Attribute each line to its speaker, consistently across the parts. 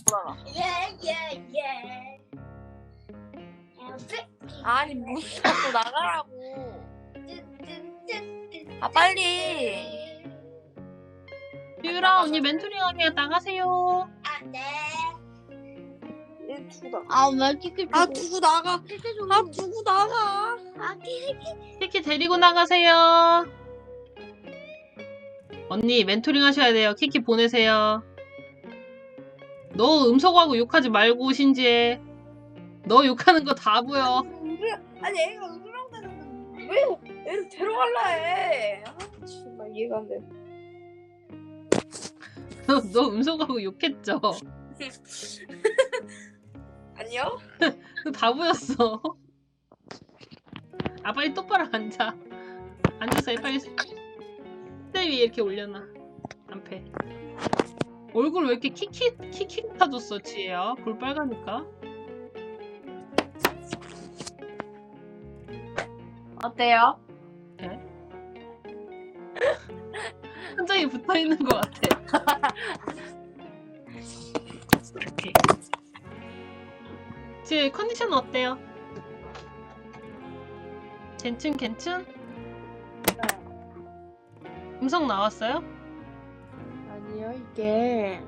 Speaker 1: 돌아가.
Speaker 2: 예예예.
Speaker 1: 아니 무슨 자꾸 나가라고. 아 빨리.
Speaker 3: 유라 언니 멘토링 하게 나가세요.
Speaker 2: 안돼.
Speaker 1: 두고
Speaker 2: 아왜 이렇게
Speaker 1: 아 두고 나가. 아 두고 나가.
Speaker 3: 키키 데리고 나가세요. 언니 멘토링 하셔야 돼요. 키키 보내세요. 너 음소거하고 욕하지 말고 신지해. 너 욕하는 거 다 보여.
Speaker 1: 아니 애가 우울하다는데 왜 애를 데려갈라 해. 아 정말 이해가 안 돼.
Speaker 3: 너 음소거하고 욕했죠?
Speaker 1: 아니요?
Speaker 3: 그거 다 보였어. 아 빨리 똑바로 앉아. 앉아서 해 빨리. 때 위에 이렇게 올려놔. 안패. 얼굴 왜 이렇게 킥킥 타줬어 지혜야? 볼 빨가니까.
Speaker 1: 어때요?
Speaker 3: 네? 한장이 붙어있는 것 같아. 오케이. 지혜 컨디션 어때요? 괜춘? 음성 나왔어요?
Speaker 1: 아니요 이게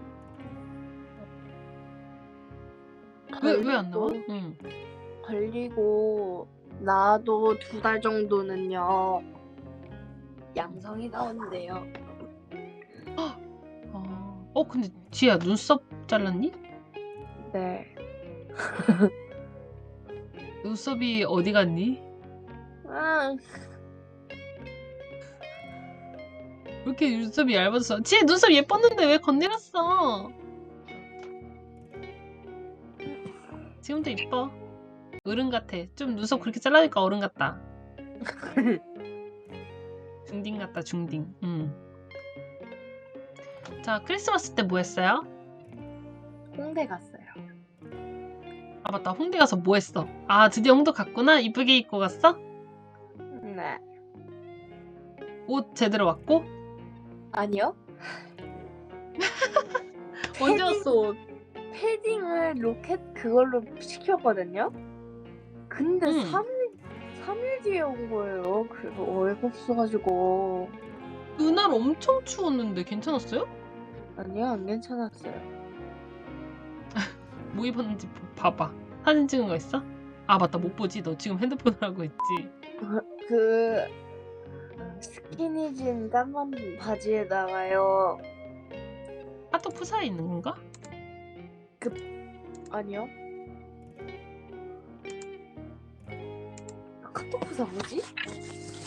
Speaker 3: 왜 안 나와? 응.
Speaker 1: 걸리고 나도 2달 정도는요 양성이 나오는데요.
Speaker 3: 근데 지혜야 눈썹 잘랐니?
Speaker 1: 네.
Speaker 3: 눈썹이 어디 갔니?
Speaker 1: 아,
Speaker 3: 왜 이렇게 눈썹이 얇았어? 지혜 눈썹 예뻤는데 왜 건드렸어? 지금도 이뻐. 어른 같아. 좀 눈썹 그렇게 잘라니까 어른 같다. 중딩 같다 중딩. 자 크리스마스 때 뭐 했어요?
Speaker 1: 홍대 갔어요.
Speaker 3: 아 맞다 홍대 가서 뭐 했어? 아 드디어 홍대 갔구나? 이쁘게 입고 갔어?
Speaker 1: 네.
Speaker 3: 옷 제대로 왔고?
Speaker 1: 아니요.
Speaker 3: 언제 왔어 옷?
Speaker 1: 패딩을 로켓 그걸로 시켰거든요. 근데
Speaker 3: 응.
Speaker 1: 3일 뒤에 온 거예요. 그래서 어이가 없어가지고.
Speaker 3: 그날 엄청 추웠는데 괜찮았어요?
Speaker 1: 아니요, 안 괜찮았어요.
Speaker 3: 뭐 입었는지 봐봐. 사진 찍은 거 있어? 아 맞다 못 보지. 너 지금 핸드폰을 하고 있지.
Speaker 1: 그 스키니진 까만 바지에다가요.
Speaker 3: 하트 푸사에 있는 건가?
Speaker 1: 아니요. 카톡 부사 뭐지?